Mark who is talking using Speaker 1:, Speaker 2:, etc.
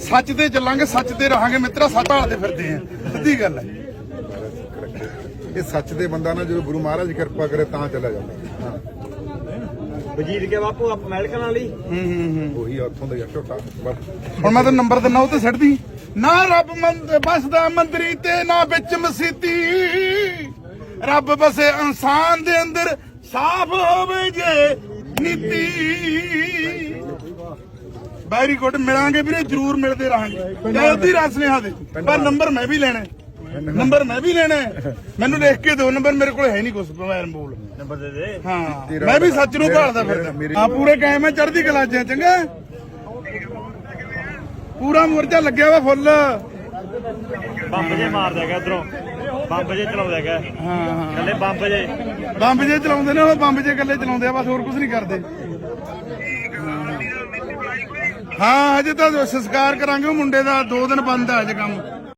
Speaker 1: ਸੱਚ ਤੇ ਚੱਲਾਂਗੇ, ਸੱਚ ਤੇ ਰਹਾਂਗੇ ਮਿੱਤਰਾ, ਸੱਚ ਭਾਲਦੇ ਫਿਰਦੇ ਆ, ਸਿੱਧੀ ਗੱਲ ਹੈ।
Speaker 2: ਇਹ ਸੱਚ ਦੇ ਬੰਦਾ ਨਾ ਜਦੋਂ ਗੁਰੂ ਮਹਾਰਾਜ ਕਿਰਪਾ ਕਰੇ ਤਾਂ ਚਲਾ ਜਾਂਦਾ।
Speaker 3: ਵਜੀਦ ਕੇ ਬਾਪੂ ਆਪ ਮੈਲਕਨ ਵਾਲੀ
Speaker 2: ਉਹੀ ਉੱਥੋਂ ਦਾ ਝੋਟਾ।
Speaker 1: ਹੁਣ ਮੈਂ ਤੈਨੂੰ ਨੰਬਰ ਦਿੰਦਾ, ਉਹ ਤੇ ਛੱਡਦੀ ਨਾ। ਰੱਬ ਬਸਦਾ ਮੰਦਰੀ ਤੇ ਨਾ ਵਿੱਚ ਮਸੀਤੀ, ਰੱਬ ਬਸੇ ਇਨਸਾਨ ਦੇ ਅੰਦਰ, ਸਾਫ਼ ਹੋਵੇ ਜੇ ਨੀਤੀ। ਵੈਰੀ ਗੁੱਡ, ਮਿਲਾਂਗੇ ਵੀਰੇ, ਜ਼ਰੂਰ ਮਿਲਦੇ ਰਹਾਂਗੇ। ਜਲਦੀ ਰਸ ਸੁਨੇਹਾ ਦੇ, ਪਰ ਨੰਬਰ ਮੈਂ ਵੀ ਲੈਣਾ, ਨੰਬਰ ਮੈਂ ਵੀ ਲੈਣਾ। ਮੈਨੂੰ ਲਿਖ ਕੇ ਦਿਓ ਨੰਬਰ, ਮੇਰੇ ਕੋਲ ਹੈ ਨਹੀਂ ਕੁਛ। ਮੈਂ ਬੋਲ
Speaker 3: ਨੰਬਰ ਦੇ ਦੇ।
Speaker 1: ਹਾਂ, ਮੈਂ ਵੀ ਸੱਚ ਨੂੰ ਭਾਲਦਾ ਫਿਰਦਾ। ਹਾਂ, ਪੂਰੇ ਕਾਇਮ ਹੈ, ਚੜ੍ਹਦੀ ਕਲਾ 'ਚ ਚੰਗਾ। ਪੂਰਾ ਮੋਰਚਾ ਲੱਗਿਆ ਵਾ ਫੁੱਲ।
Speaker 3: ਬੰਬ ਜੇ ਮਾਰਦਾ ਹੈਗਾ ਇਧਰੋਂ, ਬੰਬ ਜੇ ਚਲਾਉਂਦਾ ਹੈਗਾ। ਹਾਂ, ਕੱਲੇ ਬੰਬ
Speaker 1: ਜੇ ਚਲਾਉਂਦੇ ਨੇ, ਉਹ ਬੰਬ ਜੇ ਇਕੱਲੇ ਚਲਾਉਂਦੇ ਆ, ਬਸ ਹੋਰ ਕੁਝ ਨਹੀਂ ਕਰਦੇ। ਹਾਂ, ਹਜੇ ਤਾਂ ਸੰਸਕਾਰ ਕਰਾਂਗੇ ਉਹ ਮੁੰਡੇ ਦਾ, 2 ਦਿਨ ਬੰਦ ਆ ਅੱਜ ਕੰਮ।